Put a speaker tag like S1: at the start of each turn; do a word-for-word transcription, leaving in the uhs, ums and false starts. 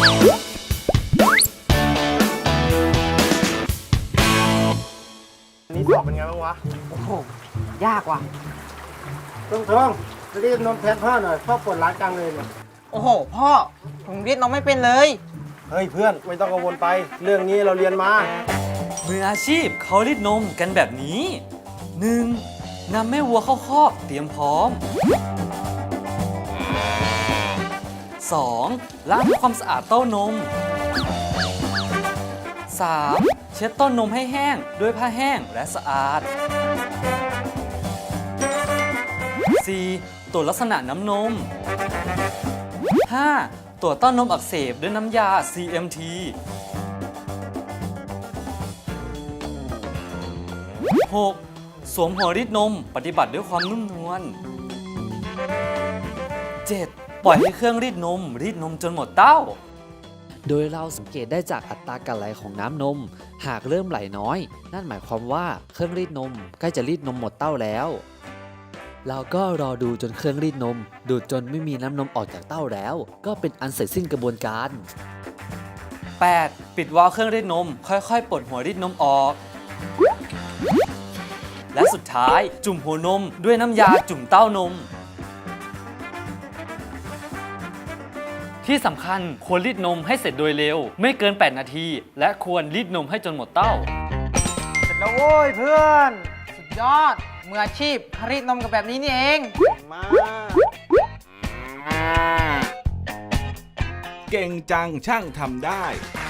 S1: นี่สอบเป็นไงบ้างวะ
S2: โอ้โหยากว่ะ
S1: ทงทงรีบนมแทนพ่อหน่อยพ่อปวดร้านกลางเลยเนี่ย
S2: โอ้โหพ่อผมรีดนมไม่เป็นเลย
S1: เฮ้ยเพื่อนไม่ต้องกังวลไปเรื่องนี้เราเรียนมา
S3: มืออาชีพเขารีดนมกันแบบนี้ หนึ่ง นำแม่วัวเข้าคอกเตรียมพร้อม สอง ล้างทำความสะอาดเต้านม สาม เช็ดต้นนมให้แห้งด้วยผ้าแห้งและสะอาด สี่ ตรวจลักษณะน้ำนม ห้า ตรวจต้านนมอักเสบด้วยน้ำยา ซี เอ็ม ที หก สวมหัวรีดนมปฏิบัติด้วยความนุ่มนวล เจ็ด ปล่อยให้เครื่องรีดนมรีดนมจนหมดเต้า
S4: โดยเราสังเกตได้จากอัตราการไหลของน้ำนมหากเริ่มไหลน้อยนั่นหมายความว่าเครื่องรีดนมใกล้จะรีดนมหมดเต้าแล้วเราก็รอดูจนเครื่องรีดนมดูดจนไม่มีน้ำนมออกจากเต้าแล้วก็เป็นอันเสร็จสิ้นกระบวนการ
S3: แปด ปิดวาล์วเครื่องรีดนมค่อยๆปลดหัวรีดนมออก และสุดท้ายจุ่มหัวนมด้วยน้ำยาจุ่มเต้านมที่สำคัญควรรีดนมให้เสร็จโดยเร็วไม่เกินแปดนาทีและควรรีดนมให้จนหมดเต้า
S2: เสร็จแล้วโว้ยเพื่อนสุดยอดมืออาชีพรีดนมกันแบบนี้นี่เอง
S1: มา
S5: เก่งจังช่างทำได้